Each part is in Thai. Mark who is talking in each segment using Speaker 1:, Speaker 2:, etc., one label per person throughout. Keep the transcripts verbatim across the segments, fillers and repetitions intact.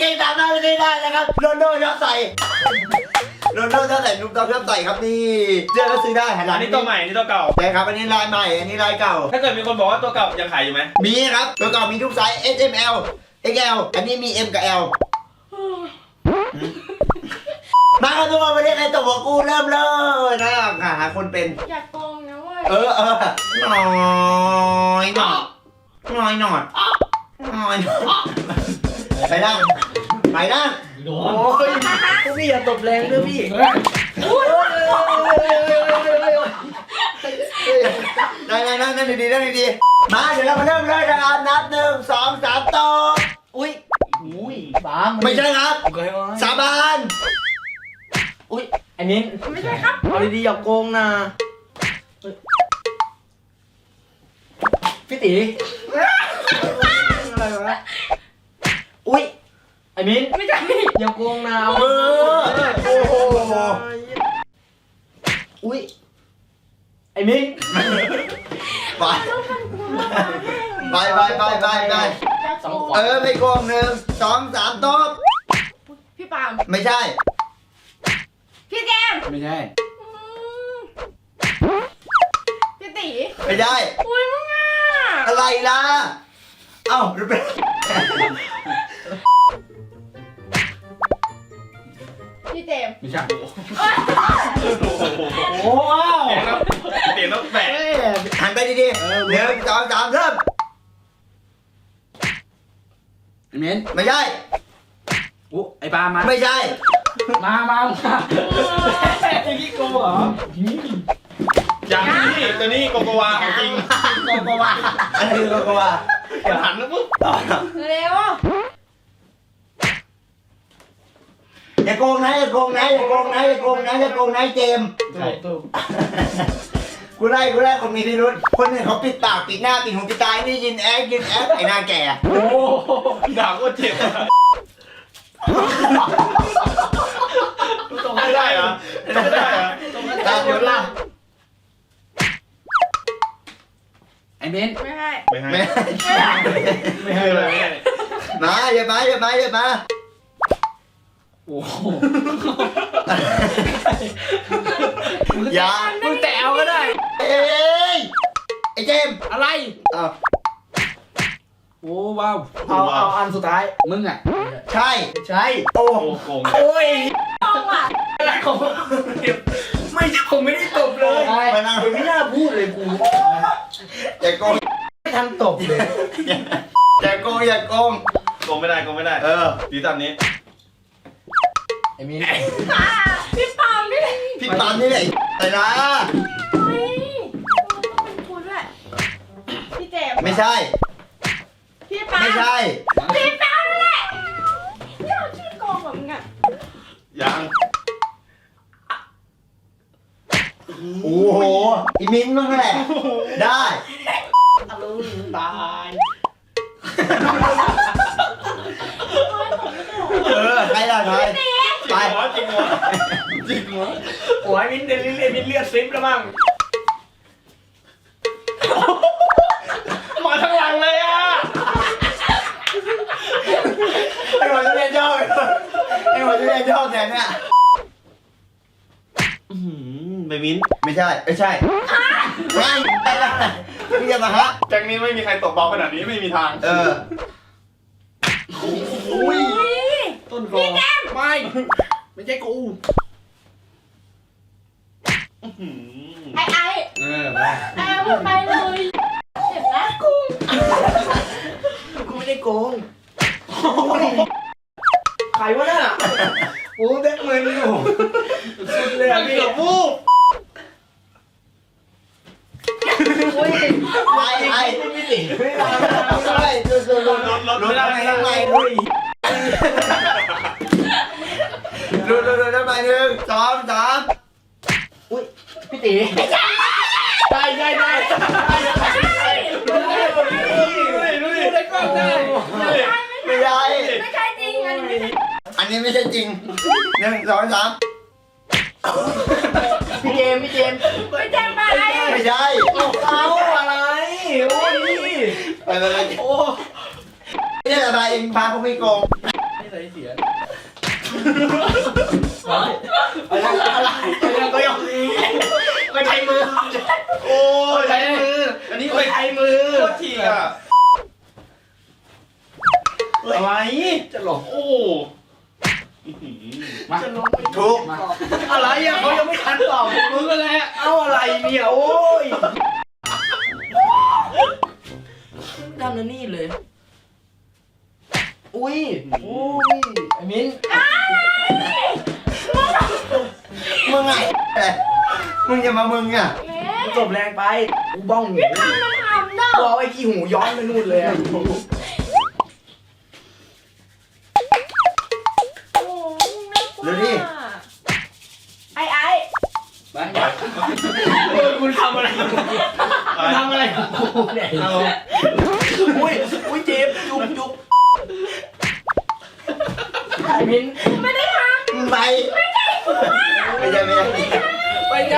Speaker 1: เกงตามหน้าไม่ได้นะครับโรนโดชอบใส่โรนโดชอบใส่นุ่มต้องชอบใส่ครับนี่เสื้อก็ซื้อได้หันหลั
Speaker 2: อั
Speaker 1: ง
Speaker 2: นนี้ตัวใหม่อันนี้ตัวเก่า
Speaker 1: ใช่ครับอันนี้ลายใหม่อันนี้ลายเก่า
Speaker 2: ถ้าเกิดมีคนบอกว่าตัวเก่ายังขายอยู่ไหม
Speaker 1: มีครับตัวเก่ามีทุกไซส์ S M L เอ็กซ์ แอล อันนี้มี M กับ L มาครับทุกคนวันนี้ใครตกหัวกูเริ่มเลยนะหาคนเป็น
Speaker 3: อยากโกงนะเว้ย
Speaker 1: เออเออหน่อยหน่อยหน่อยหน่อยหน่อยไปนั่งไปนั่งโอ้ยพี่อย่าตบแรงด้วยพี่ได้ได้นั่งนั่งดีๆนั่งดีๆมาเดี๋ยวเรามาเริ่มเลยนะครับนับหนึ่งสองสามตบอุ้ย
Speaker 4: อุ้ยสาม
Speaker 1: ไม่ใช่ครับสาบาน
Speaker 4: อุ้ยไอ้มิ้น
Speaker 3: ไม่ใช่ครับ
Speaker 4: เอาดีๆอย่าโกงนะพี่ตีอะไรวะอุ้ยไอ้มิ้น
Speaker 3: ไม่ใช่
Speaker 4: อย่าโกงนะเอา
Speaker 1: เออโอ้โห
Speaker 4: อุ้ยไอ้มิ้น
Speaker 1: ไปไปไปไปไปไป
Speaker 3: อยากโกง
Speaker 1: เออไม่โกงหนึ่งสองสามตบ
Speaker 3: พี่ปาล์ม
Speaker 1: ไม่ใช่
Speaker 3: พี่แจม
Speaker 4: ไม่ใช่
Speaker 3: อืมพี่ตี
Speaker 1: ไม่ใช่
Speaker 3: อุ้ยมึงอ่ะ
Speaker 1: อะไรล่ะเอ้าหรือเป็น
Speaker 3: พี่เจม
Speaker 4: ไม่ใช่
Speaker 2: โอ้โหเปลี่ยนต้องแปะ
Speaker 1: หันไปดีๆหนึ่งสองสามเริ่ม
Speaker 4: ไอ้มิ้น
Speaker 1: ไม่ใช่
Speaker 4: อู้ไอ้ปามา
Speaker 1: ไม่ใช่
Speaker 4: มามามาไอ้พี่โกเหรอ
Speaker 2: อย่างนี้ตัวนี้โกโกวาของจริง
Speaker 1: โกโกวาอันนี้โกโกวา
Speaker 2: มันหันแล้วปุ๊บ
Speaker 3: เร็ว
Speaker 1: อย่าโกงนะอย่าโกงนะอย่าโกงนะอย่าโกงนะอย่าโกงนะเจมส์
Speaker 4: ใช่ถูก
Speaker 1: กูไล่กูไล่คนมีพิรุษคนหนึ่งเขาปิดปากปิดหน้าปิดหูปิดตานี่ยินแอ๊กยินแอ๊กไอ้หน้าแก่
Speaker 4: โอ้
Speaker 2: ด่าก็เจ็บไม่ได้เหรอไม่ได้เหรอ
Speaker 1: ตามยุทธล่ะ
Speaker 4: ไอ้มิ้น
Speaker 3: ไม่ให้
Speaker 2: ไม่ให้
Speaker 1: ไม่
Speaker 2: ไม่ให้เลย
Speaker 1: มาอย่ามาอย่ามาอย่ามา
Speaker 4: โอ้โห
Speaker 1: อย่า
Speaker 4: มึงแตะเอาก็ได้
Speaker 1: เอ้ยไอ้เจมส์
Speaker 4: อะไร
Speaker 1: อ้าว
Speaker 4: โอ้ว้าว
Speaker 1: เอาเอาอันสุดท้าย
Speaker 4: มึงอ่ะ
Speaker 1: ใช่ใช่โอ้
Speaker 2: โอ้โกง
Speaker 1: โอ้ย
Speaker 3: โกงอ่ะ
Speaker 1: อะไรของไม่ใช่ผมไม่ได้ตบเลยมานั่งไม่น่าพูดเลยกูอย่าโกงไม่ทันตบเลยอย่าโกงอย่าโกง
Speaker 2: โกงไม่ได้โกงไม่ได้
Speaker 1: เออ
Speaker 2: ดีตามนี้
Speaker 4: ไอ้มิ้น
Speaker 3: อ่าพี่ปาล์มนี่
Speaker 1: พี่ปานนี่แหละไอ้ละ
Speaker 3: เฮ้ยต้องเป็นคุณด้วยพี่เจม
Speaker 1: ไม่ใช่
Speaker 3: พี่ปาล์ม
Speaker 1: ไม่ใช่
Speaker 3: พี่ปาล์มนั่นแหละนี่เราชื่อโกงแบบมึงอ่ะ
Speaker 2: ยัง
Speaker 1: โอ้โหอีมิ้นมึงแหละได้
Speaker 4: ตะลึงตาย
Speaker 1: เออใครล่ะใครไป
Speaker 2: จริงเหรอจริงเหรอ
Speaker 4: โอ้ยมิ้นเดลิเลียมิ้นเลือดซิปแล้วมั้ง
Speaker 2: มาทั้งหลังเลยอ่ะ
Speaker 1: ไอ้หัวจะเรียนย่อไอ้หัวจะเรียนย่อแทนเนี่ย
Speaker 2: ไปมิ้น
Speaker 1: ไม่ใช่ไม่ใช่ไม่พี่จะมาฮะ
Speaker 2: แก๊งนี้ไม่มีใครตกเบาขนาดนี้ไม่มีทาง
Speaker 1: เออ
Speaker 4: อุ้ย
Speaker 3: เฮ้ย
Speaker 4: ต้นคอไม่ไม่ใช่กู
Speaker 3: ไอ้ไอ้
Speaker 4: เออมา
Speaker 3: ไอ้เอาไปเลยเจ็บนะกู
Speaker 1: กูไม่ได้โกง
Speaker 4: ใครวะน่ะ
Speaker 1: โอ้แบกมือนี่โอ้
Speaker 4: สุดเลย
Speaker 2: มั
Speaker 4: อ่ะ
Speaker 2: น
Speaker 4: พี่
Speaker 2: เกือบวูบ
Speaker 1: ไปไอ้ไม่ติไม่ได้ไม่ได้ดูดูดู
Speaker 2: รถรถ
Speaker 1: ดู
Speaker 2: ไม่ได้
Speaker 1: ทำไม
Speaker 2: ไม่ได้
Speaker 1: ทำไมดูดูดูทำไมหนึ่งสองสาม
Speaker 4: พี่ตีได้ได้ได้
Speaker 2: ดูดิดูดิ
Speaker 4: ได้กล้องได้
Speaker 1: ไม่ได้
Speaker 3: ไม่ใช่จริงอันนี้ไม่ใช่
Speaker 1: อันนี้ไม่ใช่จริงหนึ่งสองสาม
Speaker 4: พี่เจมพี่เจม
Speaker 3: ไม่ใช่ไป
Speaker 1: ไม่ใช่
Speaker 4: เอาอะไรโอ้ย
Speaker 1: ไปไปไป
Speaker 4: โอ้
Speaker 1: นี่อะไรเองพาเขาไม่โกง
Speaker 4: นี่ใส่เสีย
Speaker 1: อะไรอะไรก็ยังก็ใช้มือ
Speaker 2: โอ้ย
Speaker 1: ใช้มือ
Speaker 2: อันนี้
Speaker 1: ก็
Speaker 2: ไป
Speaker 1: ใช้มือ
Speaker 2: โคตรทีอ่ะอะไร
Speaker 4: จะหลง
Speaker 2: โอ้
Speaker 4: มา
Speaker 1: ถูกอะไรอ่ะเขายังไม่ทันตอบ
Speaker 4: มึงก็แหละ
Speaker 1: เอาอะไรเนี่ยโอ้ย
Speaker 4: ทำนั่นนี่เลย
Speaker 1: อุ้ย
Speaker 4: โอ้ยไอ้มิ้น
Speaker 1: มึงไงมึงจะมามึงอ่ะ
Speaker 3: เอ๊ะ
Speaker 1: จบแรงไปกูบ้องหู
Speaker 3: มันทำเด้อ
Speaker 1: กูเอาไอ้ขี้หูย้อนไปนู่นเลยอ่ะ
Speaker 3: โอ้ยน่ากลัว
Speaker 1: เร็วดิ
Speaker 3: ไอ้ไอ้
Speaker 4: ไปเออคุณทำอะไรกับกูคุณทำอะไรกับกูเนี่ย
Speaker 2: เอา
Speaker 1: อุ้ยอุ้ยเจ็บจุกจุก
Speaker 4: ไอ้มิ้น
Speaker 3: ไม่ได้ท
Speaker 1: ไปไม่ใช่ไม่ใช่ไม่ใช่
Speaker 4: ไปได้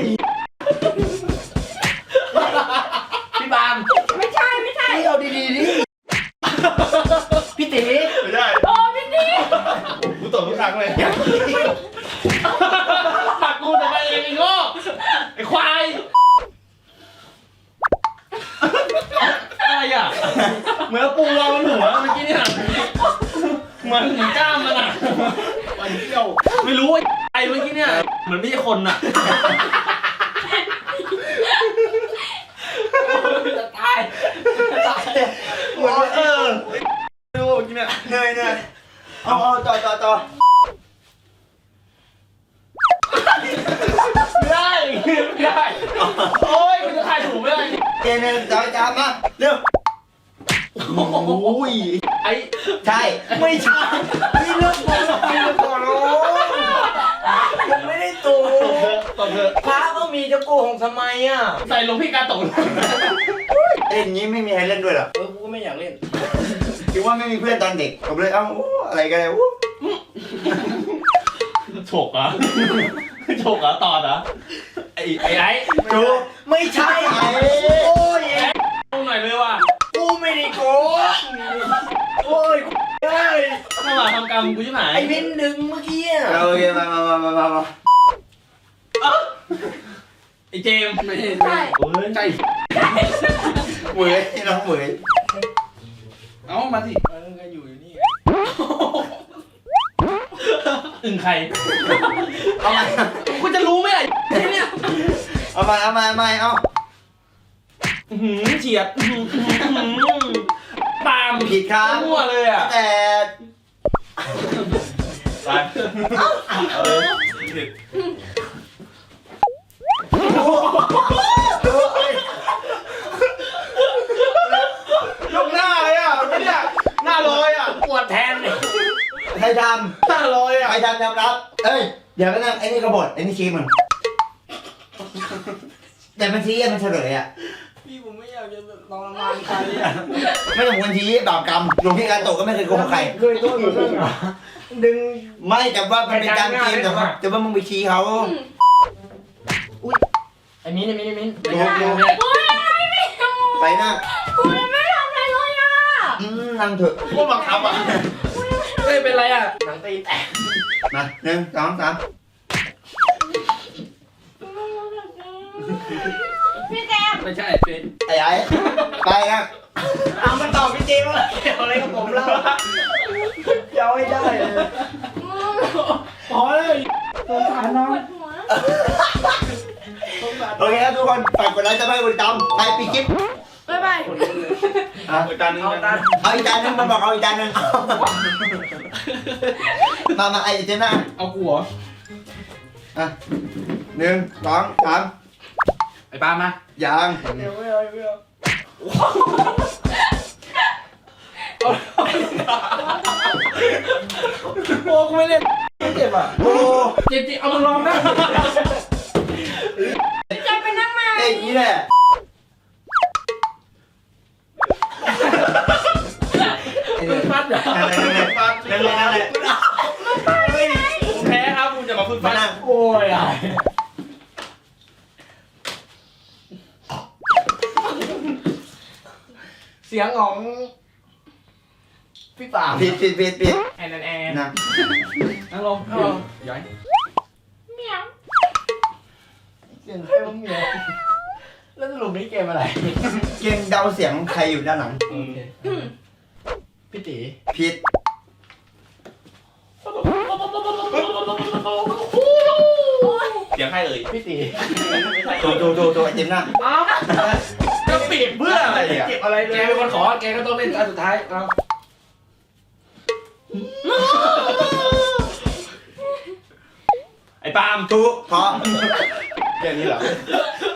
Speaker 4: พี่บาม
Speaker 3: ำไม่ใช่ไม่ใช่
Speaker 1: พี่เอาดีๆดิพี่ตี
Speaker 2: ไม่ได้
Speaker 3: โอ้พี่นี่
Speaker 2: กูตบทุกครั้งเลย
Speaker 4: ตักกูทำไมเองไอ้โง่ไอ้ควายอะไรอ่ะเหมือนปูเราบนหัวเมื่อกี้เนี่ยเหมือนเหมือนกล้ามมันอ่ะ
Speaker 2: มันเที่ยว
Speaker 4: ไม่รู้ว่าไอ้เมื่อกี้เนี่ยเหมือนไม่ใช่คนอ่ะจะตายจะตาย
Speaker 1: เหมือนเออ
Speaker 2: ดูกินเนี่ย
Speaker 1: เหนื่อยเหนื่อยเอาเอาต่อต่อต่อ
Speaker 4: ไม่ได้ไม่ได้โอ้ยมันจะถ่ายถูกไม่ได้
Speaker 1: เจนเนี่ยต่อจามมาเร็วโอ้ย
Speaker 4: ไอ้
Speaker 1: ใช่ไม่ใช่พี่เลิกก่อนพี่เลิกก่อนโอ้ยังไม่ได้ตู
Speaker 4: ตบเถอะ
Speaker 1: พระก็มีจะโกหกทำไมอ่ะ
Speaker 4: ใส่ลงพี่กาโตะ
Speaker 1: เล่นอย่างนี้ไม่มีใครเล่นด้วยหรอ
Speaker 4: เออกูก็ไม่อยากเล่น
Speaker 1: คิดว่าไม่มีเพื่อนตอนเด็กผมเลยเอ้าอะไรกันเลยอู้
Speaker 4: ฉกเหรอฉกเหรอตอดเหรอไอ้ไอ้ไอ้
Speaker 1: จูไม่ใช่ไอ้โอ้ย
Speaker 4: ดูหน่อยเลยว่ะ
Speaker 1: กูไม่ได้โกงโอ้ยเอ้ย
Speaker 4: ถ้ามาทำกรรมกูจะไหน
Speaker 1: ไอ้มินดึงเมื่อกี้อ่ะโอเคมามามามามา
Speaker 4: ไอ้เจมส์ไม่
Speaker 3: ใช่
Speaker 4: โอ้ยใจ
Speaker 1: เหมยน้องเหมย
Speaker 4: เอ้ามาสิเออก็อยู่อยู่นี่อึ่งใคร
Speaker 1: เอามา
Speaker 4: กูจะรู้ไหมล่ะไอ้เนี่ย
Speaker 1: เอามาเอามาเอามาเอา
Speaker 4: อื้อหือเฉียดอื้อหืออื้อหือปาล์ม
Speaker 1: ผิดครับ
Speaker 4: มั่วเลยอ่ะ
Speaker 1: แต่
Speaker 2: ไปเอาเลยผิด ยกหน้าเลยอ่ะไม่เนี่ยหน้าลอยอ่ะ
Speaker 4: ปวดแทนเลย
Speaker 1: ใครท
Speaker 2: หน้าลอย
Speaker 1: ำ
Speaker 2: อ่ะ
Speaker 1: ใครทำยอมรับเอ้ยเดี๋ยวก็นั่งไอ้นี่กบฏไอ้นี่ชี้มันแต่มันชี้อะมันเฉลยอ่ะ
Speaker 4: พี่ผมไม่อยากจะลองละมานใครอ่ะ
Speaker 1: ไม่ต้องควรชี้บาปกรรมหลวงพี่การโตก็ไม่เคยโกงใคร
Speaker 4: เคยโดนเรื่องเหรอ
Speaker 1: ดึงไม่แต่ว่ามันเป็นการเกมแต่ว่าแต่ว่ามึงไปชี้เขา
Speaker 4: ไอ้มิ้นไอ้มิ้นไอ้มิ้น
Speaker 1: ดูดู
Speaker 3: โอ้ยอะไรไม่ทำ
Speaker 1: ไปนะ
Speaker 3: กูยังไม่ทำอะไรเลยอ่ะ
Speaker 1: อืมนั่งเถอะ
Speaker 2: พวกบังคับอ่ะ
Speaker 4: เฮ้ยเป็นไรอ่ะหนังตีนแตก
Speaker 1: มาหนึ่งสองสาม
Speaker 3: พี่แจม
Speaker 4: ไม่ใช่เป็น
Speaker 1: ไอ้ไอ้ไปนะเอามาตอบพี่เจมส์ว่าเกี่ยวอะไรกับผมเล่าเย้าไม่ได้เลย
Speaker 4: พอเลยสงสารน้อง
Speaker 3: ปวดหัว
Speaker 1: โอเคครับทุกคนฝากกดไลค์จะไม่กดติดตามไปปีคลิป
Speaker 3: บ๊ายบาย
Speaker 1: อ่ะ
Speaker 2: เอาจานนึงนะ
Speaker 1: เอาอีกจานหนึงมันบอกเอาอีกจานหนึงมามาไอ้เจน่า
Speaker 4: เอากูเหรอ
Speaker 1: อ่ะหนึ่งสองสาม
Speaker 4: ไอ้ปามา
Speaker 1: ยัง
Speaker 4: เดี๋ยวไม่เอาไม่เอาโอ้กูไม่เล่นเจ็บอ่ะ
Speaker 1: โอ้
Speaker 4: เจ็บจริงเอามาลองนะ
Speaker 3: พี่แจมไปนั่งมา
Speaker 1: เอ้ยอย่างนี้แหละ
Speaker 4: มึงฟัดเหรอ
Speaker 1: นั่นแหละนั่นแหละนั่นแหละนั่นแหละ
Speaker 2: เฮ้ยผมแพ้ครับคุณจะมาพึ่ง
Speaker 1: มา
Speaker 2: ฟัน
Speaker 1: นั่ง
Speaker 4: โอ้ยอ่ะเสียงของ
Speaker 2: พี่ป่า
Speaker 1: ผิดผิดผิดผิด
Speaker 4: แอนแอนแอน
Speaker 1: นะ
Speaker 4: นั่งลงนั่งลงย้อย
Speaker 3: เหมียว
Speaker 2: เสียงใครว่าเมียแล้วสรุปนี้เกมอะไร
Speaker 1: เกมเดาเสียงใครอยู่ด้านหลัง
Speaker 2: โอเคพี่ตี
Speaker 1: ผิด
Speaker 4: เสียงใครเอ่ย
Speaker 2: พี่ตี
Speaker 1: ถูกถูกถูกถูกไอเจมหน้า
Speaker 4: อ้าวจะปิดเพื่ออะไรอ่ะ
Speaker 2: เก็บอะไรเล
Speaker 4: แก
Speaker 2: ย
Speaker 4: เป็นคนขอแกก็ต้องเล่นอันสุดท้ายเอา ไอ้ปาล์ม
Speaker 1: ถูกเพราะ
Speaker 2: แค่นี้เหรอ